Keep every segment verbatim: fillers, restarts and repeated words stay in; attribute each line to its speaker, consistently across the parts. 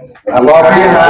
Speaker 1: รอพี่ครับ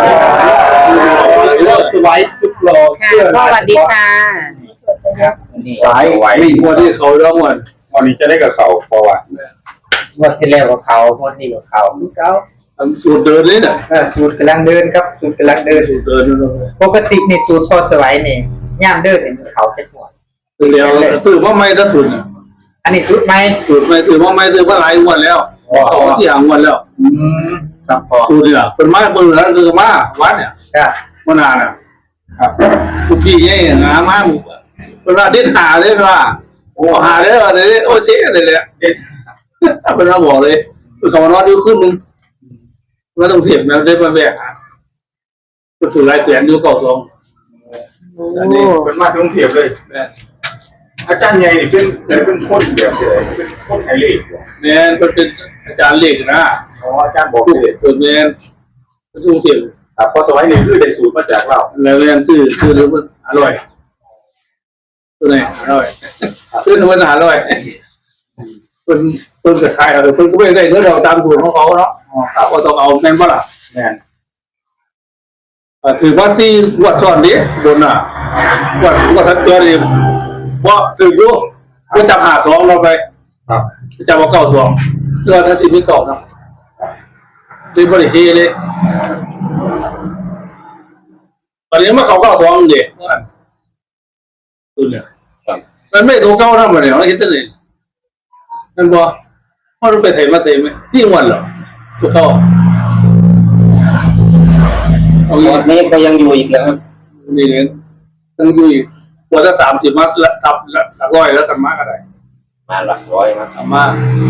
Speaker 1: เลือกสไว้สุดหล่อเสื้อลายสวัสดีค่ะสายวิ่งวันที่เขาเรื่องวันวันนี้จะได้กับเขาเพราะว่า
Speaker 2: วันที่แล้วกับเขาวันที่กับเขาเขา
Speaker 1: สูตรเดินเลยเนี่ย
Speaker 2: สูตรกำลังเดินครับสูตรกำลังเดิน
Speaker 1: สูตรเดิน
Speaker 2: ปกติในสูตรพอสไว้นี่ย่ามเดินเป็นเขาแค่หัว
Speaker 1: เดียวถือว่าไม่ถ้าสูตร
Speaker 2: อันนี้สูตรไม่
Speaker 1: สูตรไม่ถือว่าไม่ถือว่าหลายวันแล้วเขาที่หางวันแล้ว
Speaker 2: ครับพอ
Speaker 1: สูตรเนี่ยเป็นมาเป็นแล้วคือมาวัดเนี่ยมานานอ่ะครับทุกที่เนี่ยงามาหมู่เป็นว่าดิ้นหาเลยว่าโอ้หาเลยว่าเลยโอ้เจ๊เลยเลยเป็นว่าบอกเลยคือเขานอนดูขึ้นนึงไม่ต้องเถียงนะได้มาแบกก็ถือลายเสียงดูก่อทรงอันนี้เป็นมาต้องเถียงเลยอาจารย์ใหญ่นี่เป็นเป็นคนแบบเลยเป็นคนไทยเล็กเนี่ยเป็นเป็นอาจารย์เล็กนะอ๋ออาจารย์บอกเลยตัวเนียเป็นต้องเถียงครับพอสมัยนี้คือได้สูตรมาจากเราแล้วเรียนคือคือรู้ว่าอร่อยตัวไหนอร่อยคือทำมันอร่อยเป็นเป็นกระชายอะไรเป็นก็ไม่ได้เนื้อเราตามสูตรของเขาเนาะก็ต้องเอาแน่นบ้าล่ะแน่นถือว่าที่วัดตอนนี้โดนอ่ะวัดวัดทัดเกลือเลยเพราะถือยุก็จับหาสองเราไปจับว่าเก้าสองเสื้อทัศน์ที่เก่าเนาะเป็นบริเฮเลยตอนนี้มาเขาเก้าสองเด็กตัวเนี่ยมันไม่ตัวเก้าทำอะไรเราคิดจะเลยนั่นบอกพ่อรู้ไปไทยมาไทยไหมที่วันหรอตัวเก้า
Speaker 2: วันนี้ก็ยังอยู่อีกนะครับ
Speaker 1: นี่เนี่ยยังอยู่อีกตัวถ้าสามสิบมาละทับละหลักร้อยแล้วกันมากอะไร
Speaker 2: มาหลักร้อยมา
Speaker 1: ทำมา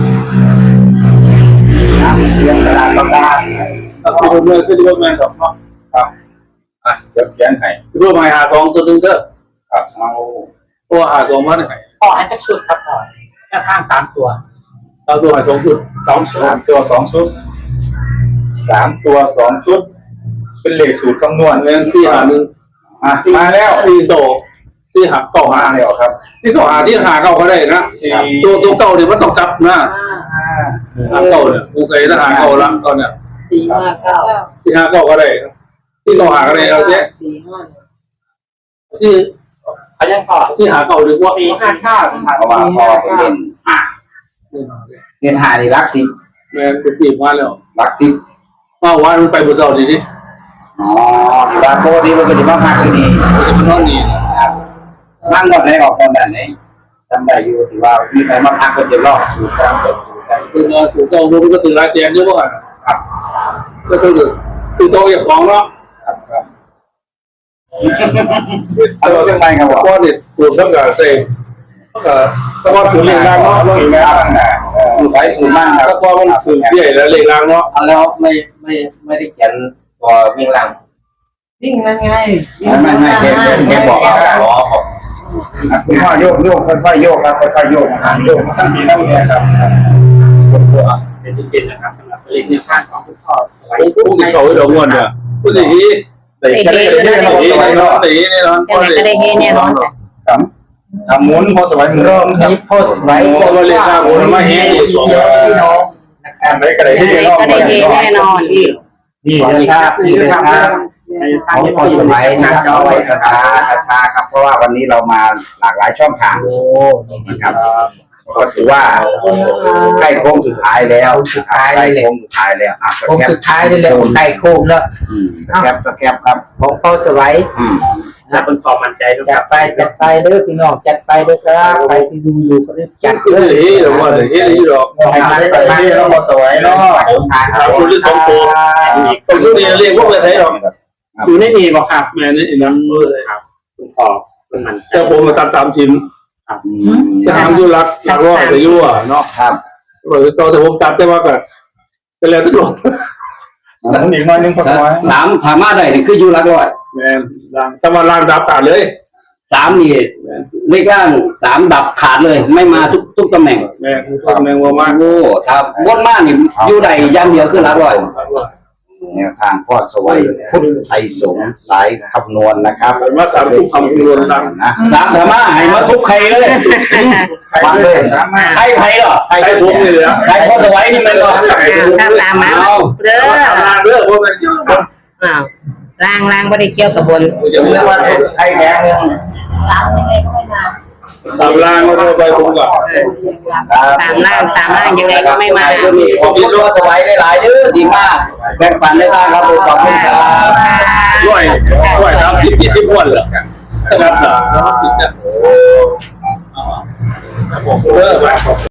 Speaker 2: เรื่องตลาดต้องได้
Speaker 1: ถ้าคุณเมื่อคือที่ว่าแมนสองเนาะครับอ่ะเดี๋ยวเขียนให้ที่ว่าไม้หาทองตัวนึงเด้อครับเอาตัวหาทองมาไหน
Speaker 2: อ๋ออันจะชุดครับก่อนแค่ข้างสามตัว
Speaker 1: เราตัวหาสองชุดสองชุดสามตัวสองชุดสามตัวสองชุดเป็นเลขสูตรคำนวณเรื่องที่หาหนึ่งมาแล้วสี่โตที่หาเก่าหาแล้วครับที่สองหาที่หาเก่าก็ได้นะตัวตัวเก่าเนี่ยมันต้องจับนะหาเก่าเนี่ยคงใส่ถ้าหาเก่าละตอนเนี้ย
Speaker 2: สี่ห้าเก้า
Speaker 1: ที่หาเก่าก็ได้ที่เก่าหาก็ได้เราเนี่ย
Speaker 2: สี่ห้า
Speaker 1: ที่
Speaker 2: เขายังพอ
Speaker 1: ที่หาเก่าหรือว่า
Speaker 2: สี่ห้าเก้า
Speaker 3: เพราะว่าพอเป็นเล่นหาเล่นหาในรักสิบ
Speaker 1: แม่เป็นปีมาแล้ว
Speaker 3: รักสิบ
Speaker 1: มาวันมันไปบุษราดีดิ
Speaker 3: อ๋อที่บ้านโบที่มันก็จะมาพักที่นี่
Speaker 1: จะมานอนนี่
Speaker 3: ครับนั่งหมดเลยออกคนแบบนี้จำได้อยู่ที่ว่ามีใครมาพักก็จะรอดสูตรการเปิดสูตรการ
Speaker 1: คือสูตรเก่ามันก็ถือลายเสียงเยอะมาก
Speaker 3: ครับ
Speaker 1: ก็คือคือโตอย่างของเนาะ
Speaker 3: ครับครับเอาเรื่องอะไรครับ
Speaker 1: ว่าเนี่ยสูตรต้องการเซ็งก็ก็ว่าสูตรเรียงรางเนาะต้องอีกแล้ว
Speaker 3: นะใช้สูตรมากครับ
Speaker 1: ก็พอมันสูตรใหญ่แล้วเรียงรางเนาะ
Speaker 3: แล้วไม่ไม่ไม่ได้เขียนตัววิ่งราง
Speaker 2: วิ่งยังไง
Speaker 3: ไม่ไม่แกแกบอกเอาล้อของคุณพ่อโยกโยกค่อยๆโยกครับค่อยๆโยกอ่าโยกมันต้องมีน้ำแข็งครับ
Speaker 2: เป็นจริงๆนะครับสำหรับเล่นในภาคของคุณพ่อ
Speaker 1: ไว้พวกเขาไว้ดอกงวนเนี่ยพูดดีๆแต่ก็ได้เห็นเราดีเนาะดีแน่นอน
Speaker 4: ก็ได้เห็นแน่นอน
Speaker 1: ครับทำหมุนพอสบายหมุน
Speaker 2: ครับ
Speaker 3: พอสบาย
Speaker 1: พอมาเล่นหมุนมาเห็นอยู่สอง
Speaker 3: พี่น้อง
Speaker 1: นะครับไม่ก็ได้เห็น
Speaker 4: แน่นอน
Speaker 3: นี่เลยครับนี่เลยครับของพอสมัยนะครับเอาไว้กระชากระชาครับเพราะว่าวันนี้เรามาหลากหลายช่องทางนะครับก็ถือว่าใกล้โค้งสุดท้ายแล้ว
Speaker 2: สุดท้าย
Speaker 3: ใกล้โค้งสุดท้ายแล้วอ่ะ
Speaker 2: โค้งสุดท้ายนี่แหละใกล้โค้งแล้ว
Speaker 3: สแคปสแคปครับ
Speaker 2: ของพอสไว้นะเป็นความมั่นใจจัดไปจัดไปเด้อพี่น้องจัดไปเด้อครับใครที่ดูอยู่ก็จัด
Speaker 1: เด้อเฮ้ยเราว่าเฮ้ยนี่หรอก
Speaker 3: ให้มันไปมาเราพอสวยเนาะ
Speaker 1: เราคุณที่สองตัวตัวนี้เรียกพวกอะไรไทยหรอก
Speaker 2: อยู่ในนี่บอกครับแม่นี่นั่นเลยครับคุณพ่อเป็นมัน
Speaker 1: จะผมมาทำสามชิ้นจะทำยูรักหลักร้อยแต่ยั่วเนาะ
Speaker 3: ครับ
Speaker 1: เราแต่ผมจับได้ว่าก็เป็นแล้วทุกคนนั่นอีกน้อยนึงพอสมัย
Speaker 3: สามถามมาได้นี่คือยูรักร้อย
Speaker 1: แม่ล่างแต่ว่าล่างดับขาดเลย
Speaker 3: สามนี่เลขล่างสามดับขาดเลยไม่มาทุกทุกตำแหน่ง
Speaker 1: แม่ทุกตำแหน่งว่ามาก
Speaker 3: โอ้ครับบนมากนี่ยูใดย่ำเดียวคือรักร้อยแนวทางพ่อสวัยพุทธไทยสงฆ์สายคำนวณนะครับ
Speaker 1: มาสามทุกคำนวณนะ
Speaker 3: สามธรรมะให้มาทุกใครเลยมาเลยใครใครหรอ
Speaker 1: ใครทุกเลย
Speaker 3: ใครพ่อสวัยนี่มันหรอ
Speaker 4: ตามตามมา
Speaker 1: เด้อเด้อพ่อ
Speaker 4: อ้าวล่างล่างไม่ได้เกี่ยวกับบน
Speaker 3: ยกเลิกว่าไทยแดงหนึ่ง
Speaker 5: สามยังไงก็ไม่มา
Speaker 1: สามล่างก็ไปผมก่อน
Speaker 4: สามล่างสามล่างยังไงก็ไม่มา
Speaker 2: ช่วงนี้ขอบคุณลูกสบายได้หลายเด้อทีมากแบ่งปันได้มากครับผมขอบคุณครับ
Speaker 1: ด้วยด้วยครับที่ที่ที่พ้นเหรอครับเหรอเออ